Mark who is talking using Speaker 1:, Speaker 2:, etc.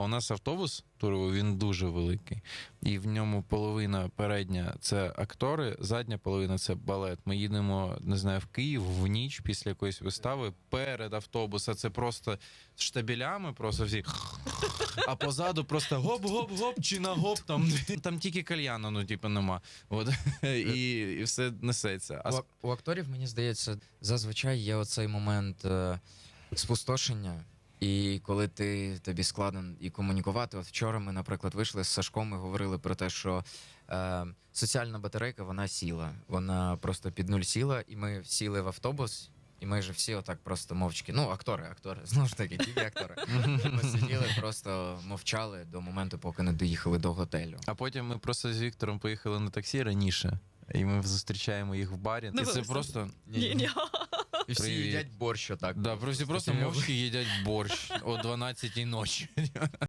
Speaker 1: У нас автобус туровий, він дуже великий. І в ньому половина передня – це актори, задня половина – це балет. Ми їдемо, не знаю, в Київ в ніч після якоїсь вистави. Перед автобуса це просто штабелями, просто всі. А позаду просто гоп-гоп-гоп, чи на гоп там. Там тільки кальяна, ну, типу, нема. От. І все несеться.
Speaker 2: У акторів, мені здається, зазвичай є оцей момент спустошення. І коли тобі складно і комунікувати, от вчора ми, наприклад, вийшли з Сашком і говорили про те, що соціальна батарейка, вона сіла. Вона просто під нуль сіла, і ми сіли в автобус, і майже всі отак просто мовчки. Ну, актори, знову ж таки, тільки актори. Ми сиділи, просто мовчали до моменту, поки не доїхали до готелю.
Speaker 1: А потім ми просто з Віктором поїхали на таксі раніше, і ми зустрічаємо їх в барі. І це просто...
Speaker 3: Ні.
Speaker 2: І всі
Speaker 1: Привіт.
Speaker 2: їдять борщ отак.
Speaker 1: Да, просто мовчки їдять борщ о 12-й ночі.